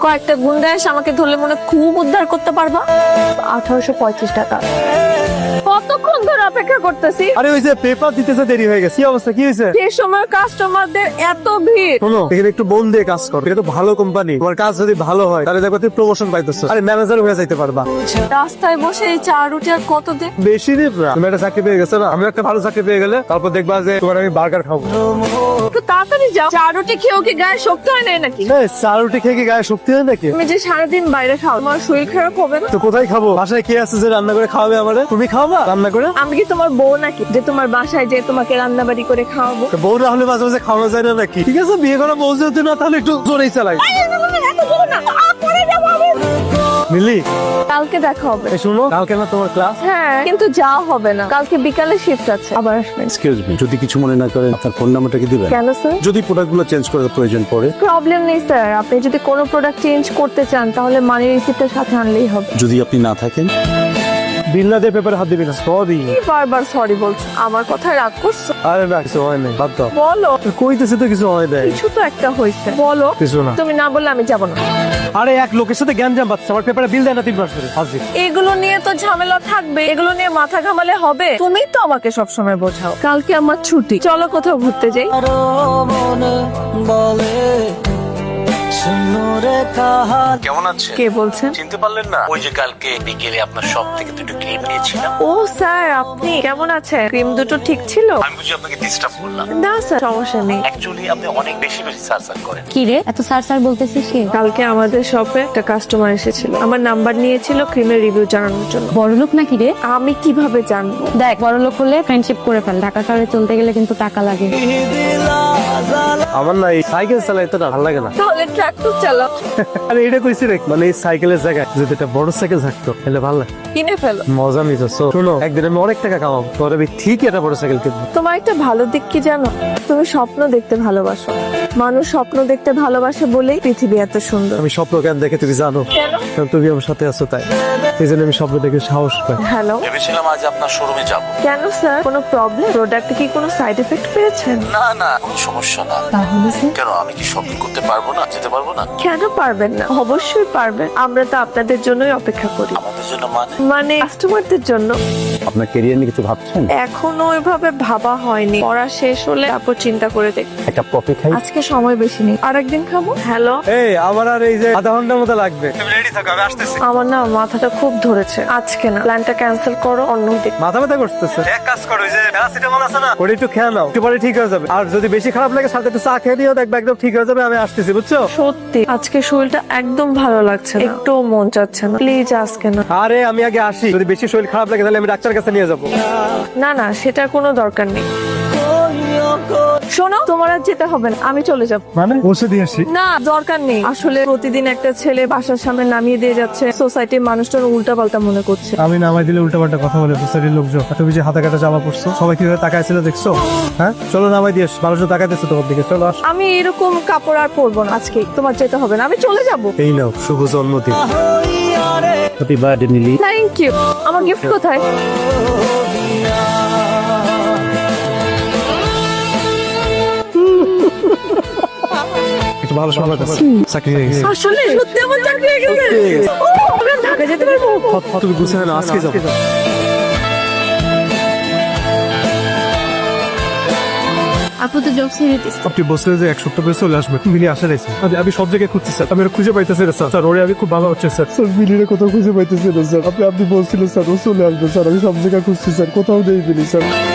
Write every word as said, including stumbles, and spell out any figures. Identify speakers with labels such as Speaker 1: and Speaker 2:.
Speaker 1: কয়েকটা গুন্ডা এসে আমাকে ধরলে মনে খুব উদ্ধার করতে পারবা। আঠারোশো পঁয়ত্রিশ টাকা। কতক্ষণ ধরে অপেক্ষা করতেছি।
Speaker 2: আরে ওই যে পেপার দিতেছে দেরি হয়ে গেছে। কি অবস্থা, কি হয়েছে?
Speaker 1: যে সময় কাস্টমারদের এত ভিড়।
Speaker 2: শোনো, এখানে একটু মন দিয়ে কাজ করো। এটা তো ভালো কোম্পানি, তোমার কাজ যদি ভালো হয় তাহলে দেখো তুমি প্রমোশন পাইতেছো, আরে ম্যানেজার হয়ে যাইতে পারবা।
Speaker 1: রাস্তায় বসে এই চা রুটি আর কত দিন।
Speaker 2: বেশি দিন না, তুমি একটা চাকরি পেয়ে গেছো না, আমি একটা ভালো চাকরি পেয়ে গেলে তারপর দেখবা যে তোমার আমি বার্গার খাবো।
Speaker 1: একটু তাড়াতাড়ি যাও। চা রুটি খেয়েও কি গায়ে শক্তি হয় না নাকি?
Speaker 2: এই চা রুটি খেয়ে কি গায়ে শক্তি হয় নাকি?
Speaker 1: তুমি যে সারাদিন বাইরে খাও, তোমার শরীর খারাপ হবে না?
Speaker 2: তো কোথায় খাবো? বাসায় কে আছে যে রান্না করে খাওয়াবে আমারে? তুমি খাওয়াবা রান্না করে?
Speaker 1: আমি কি তোমার বউ নাকি যে তোমার বাসায় যে তোমাকে রান্না বাড়ি করে খাওয়াবো?
Speaker 2: তো বউ না হলে মাঝে মাঝে খাওয়ানো যায় না নাকি? ঠিক আছে, বিয়ে করা বউ যদি না তাহলে একটু জোরেই চালাই। মিলি,
Speaker 1: কালকে দেখা হবে।
Speaker 2: এই শোনো, কালকে না তোমার ক্লাস?
Speaker 1: হ্যাঁ, কিন্তু যাওয়া হবে না, কালকে বিকালে শিফট আছে, আবার আসবেন।
Speaker 3: এক্সকিউজ মি, যদি কিছু মনে না করেন আপনার ফোন নাম্বারটা কি দিবেন?
Speaker 1: কেন স্যার?
Speaker 3: যদি প্রোডাক্টগুলো চেঞ্জ করার প্রয়োজন পড়ে।
Speaker 1: প্রবলেম নেই স্যার, আপনি যদি কোনো প্রোডাক্ট চেঞ্জ করতে চান তাহলে মানি রিসিপ্টের সাথে আনলেই হবে।
Speaker 3: যদি আপনি না থাকেন?
Speaker 2: বিল্লাদের পেপারে হাত দিবি না, সরি।
Speaker 1: কি বারবার সরি বলছো? আমার কথায় রাগ করছো?
Speaker 2: আরে না, কিছু হয় নাই, বাদ দাও।
Speaker 1: বলো।
Speaker 2: কইতেছে তো কিছু হয় নাই।
Speaker 1: কিছু তো একটা হয়েছে, বলো।
Speaker 2: কিছু না।
Speaker 1: তুমি না বললে আমি যাব না।
Speaker 2: আরে এক লোকের সাথে জ্ঞান জাম পাচ্ছে, আমার পেপারে বিল দেয় না তিন মাস ধরে। হাজির।
Speaker 1: এগুলো নিয়ে তো ঝামেলা থাকবে, এগুলো নিয়ে মাথা ঘামালে হবে? তুমি তো আমাকে সবসময় বোঝাও। কালকে আমার ছুটি, চলো কোথাও ঘুরতে যাই।
Speaker 3: কেমন আছে?
Speaker 1: কে বলছেন?
Speaker 3: চিনতে পারলেন না? ওই যে কালকে বিকেলে আপনার শপ থেকে দুটো ক্রিম নিয়েছিলাম।
Speaker 1: ও স্যার, আপনি কেমন আছেন? ক্রিম দুটো ঠিক ছিল?
Speaker 3: আমি বুঝি আপনাকে ডিস্টার্ব করলাম?
Speaker 1: না স্যার, সমস্যা নেই।
Speaker 3: অ্যাকচুয়ালি আপনি অনেক বেশি বেশি সার্চার করেন।
Speaker 4: কি রে এত সার সার বলতেছিস কি?
Speaker 1: কালকে আমাদের শপে একটা কাস্টমার এসেছিল, আমার নাম্বার নিয়েছিল ক্রিমের রিভিউ জানানোর জন্য।
Speaker 4: বড়লোক নাকি রে?
Speaker 1: আমি কিভাবে জানবো?
Speaker 4: দেখ, বড়লোক হলে ফ্রেন্ডশিপ করে ফেল, ঢাকা শহরে চলতে গেলে কিন্তু টাকা লাগে।
Speaker 2: আমার না এই সাইকেল চালাইতে না ভালো লাগে না।
Speaker 1: তাহলে ট্রাক্টর চালাও।
Speaker 2: আরে এটা কইছি রে, মানে এই সাইকেলের জায়গায় যদি একটা বড় সাইকেল থাকতো তাহলে ভালো লাগে।
Speaker 1: কিনে ফেলো।
Speaker 2: মজা নিতো। শোনো, একদিন আমি অনেক টাকা কামাবো, তোর আমি ঠিক একটা বড় সাইকেল কিনবো।
Speaker 1: তোমার একটা ভালো দিক কি জানো? তুমি স্বপ্ন দেখতে ভালোবাসো। মানুষ স্বপ্ন দেখতে ভালোবাসে বলেই পৃথিবী এত সুন্দর।
Speaker 2: আমি স্বপ্ন কেন দেখে তুমি জানো?
Speaker 1: কেন?
Speaker 2: কারণ তুমি আমার সাথে আছো তাই। এই জন্য আমি স্বপ্ন দেখে সাহস পাই।
Speaker 1: হ্যালো।
Speaker 3: ভেবেছিলাম আজ আপনার শোরুমে যাব।
Speaker 1: কেন স্যার, কোনো প্রবলেম? প্রোডাক্টে কি কোনো সাইড এফেক্ট পেয়েছেন?
Speaker 3: না না, কোনো সমস্যা না।
Speaker 4: তাহলে স্যার
Speaker 3: কেন, আমি কি শপিং করতে পারবো না? যেতে পারবো না?
Speaker 1: কেন পারবেন না? অবশ্যই পারবেন, আমরা তো আপনাদের জন্যই অপেক্ষা করি।
Speaker 3: আমাদের জন্য মানে?
Speaker 1: মানে কাস্টমারদের জন্য।
Speaker 3: আপনার ক্যারিয়ার নিয়ে কিছু ভাবছেন?
Speaker 1: এখনো ওইভাবে ভাবা হয়নি, পড়া শেষ হলে তারপর চিন্তা করে দেখ।
Speaker 3: একটা কফি খাই?
Speaker 1: আজকে সময় বেশি নেই, আরেকদিন খাবো। হ্যালো।
Speaker 2: এই আমার আর এই যে আধা ঘন্টার মতো লাগবে, তুমি রেডি থাকো, আমি আসতেছি।
Speaker 1: আমার না মাথাটা খুব ধরেছে, আজকে না, প্ল্যানটা ক্যান্সেল করো, অন্য দিন।
Speaker 2: মাথা ব্যথা করতেছে। এক কাজ করো, ওই যে প্যারাসিটামল আছে না, ওটা একটু খেয়ে নাও, একটু পরে ঠিক হয়ে যাবে। আর যদি বেশি খারাপ লাগে সাথে একটু চা খেয়ে দিও, দেখবে একদম ঠিক হয়ে যাবে। আমি আসতেছি, বুঝছো?
Speaker 1: সত্যি আজকে শরীরটা একদম ভালো লাগছে না, একটু মন চাচ্ছে না, প্লিজ আজকে না।
Speaker 2: আরে আমি আগে আসি, যদি বেশি শরীর খারাপ লাগে তাহলে আমি ডাক্তারের কাছে নিয়ে যাবো।
Speaker 1: না না, সেটার কোনো দরকার নেই। শোনো, তোমার আর যেতে হবে না, আমি চলে যাব।
Speaker 2: মানে বসে দিয়ে আসি?
Speaker 1: না, দরকার নেই। আসলে প্রতিদিন একটা ছেলে বাসার সামনে নামিয়ে দিয়ে যাচ্ছে, সোসাইটির মানুষজন উল্টা পাল্টা মনে করছে।
Speaker 2: আমি নামাই দিলে উল্টা পাল্টা কথা বলে সোসাইটির লোকজন। তুমি যে হাতে কাটা জামা পড়ছো, সবাই কিভাবে তাকাইছিল দেখছো? হ্যাঁ, চলো নামাই দিয়ে আসি, মানুষজন তাকাইতেছে তোমার দিকে, চলো আস।
Speaker 1: আমি এরকম কাপড় আর পরবো না আজকে, তোমার যেতে হবে না, আমি চলে যাব।
Speaker 2: এই নাও শুভ জন্মদিন।
Speaker 3: Happy birthday Neeli.
Speaker 1: Thank you. আমার গিফট কোথায়?
Speaker 2: একটু ভালো সময় কাছে চাকরি হয়ে গেছে।
Speaker 1: আসলে সত্যি আমার চাকরি হয়ে গেছে। ও, আমি আর ঢাকা যেতে পারবো।
Speaker 2: তুমি বুঝতে না, আজকে যাবো।
Speaker 4: আপু তো জব ছেড়ে দিস।
Speaker 2: আপনি বসলে যে এক সপ্তাহ পরে চলে আসবে, মিলি আসা রয়েছে। আমি সব জায়গায় খুঁজছি স্যার, আমি ওরা খুঁজে পাইতেছি না স্যার। স্যার ওরে আমি খুব ভালো হচ্ছে স্যার। স্যার মিলিরে কোথাও খুঁজে পাইতেছি না স্যার। আপনি আপনি বলছিলেন স্যার ও চলে আসবে স্যার, আমি সব জায়গায় খুঁজছি স্যার, কোথাও নেই মিলি স্যার।